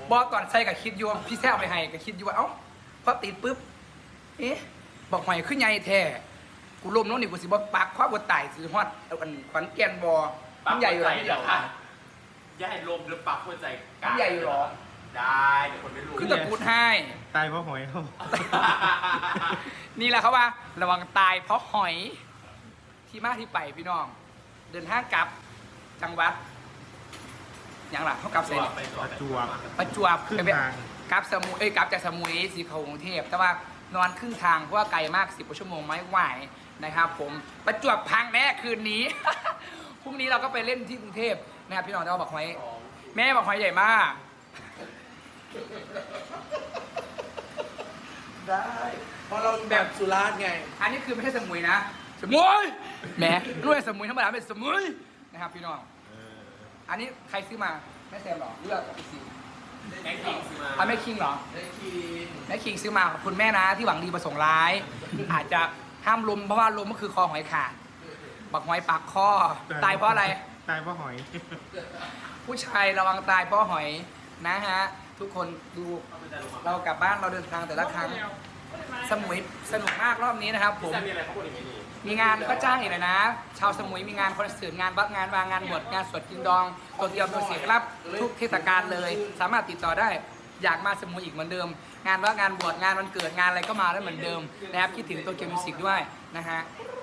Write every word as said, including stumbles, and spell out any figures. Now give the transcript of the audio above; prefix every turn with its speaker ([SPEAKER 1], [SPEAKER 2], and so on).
[SPEAKER 1] บอสตอนใส่กับคิดอยู่พี่แซ่เอาไปให้กับคิดอยู่ว่าเอ้าพอติดปุ๊บเอ๊ะบอกหอยขึ้นใหญ่แท้กูลมน้องนี่กูสิบอกปักคว้าบนไต่สิฮอดเอาอันขวัญแกนบอมันใหญ่อยู่หรอพี่เดียว
[SPEAKER 2] อย่าให้ลมหรือปักหัวใจ
[SPEAKER 1] มันใหญ่อยู่หรอ
[SPEAKER 2] ได้เดี๋ยวคนไม่รู้
[SPEAKER 1] ขึ้นตะกูดให้
[SPEAKER 3] ตายเพราะหอยเขา
[SPEAKER 1] นี่แหละเขาว่าระวังตายเพราะหอยที่มาที่ไปพี่น้อง เดินทางกลับจังหวัดอย่างหลังเขากลับเสร็จ
[SPEAKER 3] ประจวบ
[SPEAKER 1] ประจวบ
[SPEAKER 3] ครึ่งทาง
[SPEAKER 1] กลับสมุยเอ้ยกลับจากสมุยสีเขากรุงเทพแต่ว่านอนครึ่งทางเพราะว่าไกลมากสิบกว่าชั่วโมงไม่ไหวนะครับผมประจวบพังแน่คืนนี้ พรุ่งนี้เราก็ไปเล่นที่กรุงเทพนะครับพี่น้องแต่ว่าบอกหอยแม่บอกหอยใหญ่มาก
[SPEAKER 4] ได้เพราะเราแบบสุราษฎร์ไง
[SPEAKER 1] อันนี้คือไม่ใช่สมุยนะสมุยแหมด้วยสมุยธรรมดาเป็นสมุยนะครับพี่น้องอันนี้ใครซื้อมาแม่แซมหรอเลือกอีกสี
[SPEAKER 2] แม็กซ์คิงซื้อมา
[SPEAKER 1] อ่ะแม่คิงเหรอ
[SPEAKER 4] ได้กิน
[SPEAKER 1] แม่คิงซื้อมาขอบคุณแม่นะที่หวังดีประสงค์ร้าย อาจจะห้ามลมเพราะว่าลมก็คือคอหอยขาดบักหอยปากคอตายเพราะอะไร
[SPEAKER 3] ตายเพราะหอย
[SPEAKER 1] ผู้ชายระวังตายเพราะหอยนะฮะทุกคนดูเรากลับบ้านเราเดินทางแต่ละครั้งสมุยสนุกมากรอบนี้นะครับผม
[SPEAKER 2] จะมีอะไรเขาบอกอย่างนี้
[SPEAKER 1] มีงานก็จ้างอีกเลยนะ ชาวสมุยมีงานคอนเสิร์ตงานวัดงานวางงานบวชงานสวดกินดองตัวเดียวตัวเสียรับทุกเทศกาลเลย สามารถติดต่อได้อยากมาสมุยอีกเหมือนเดิม งานวัดงานบวชงานวันเกิดงานอะไรก็มาได้เหมือนเดิมนะครับคิดถึงตัวเกียวมิวสิกด้วยนะฮะ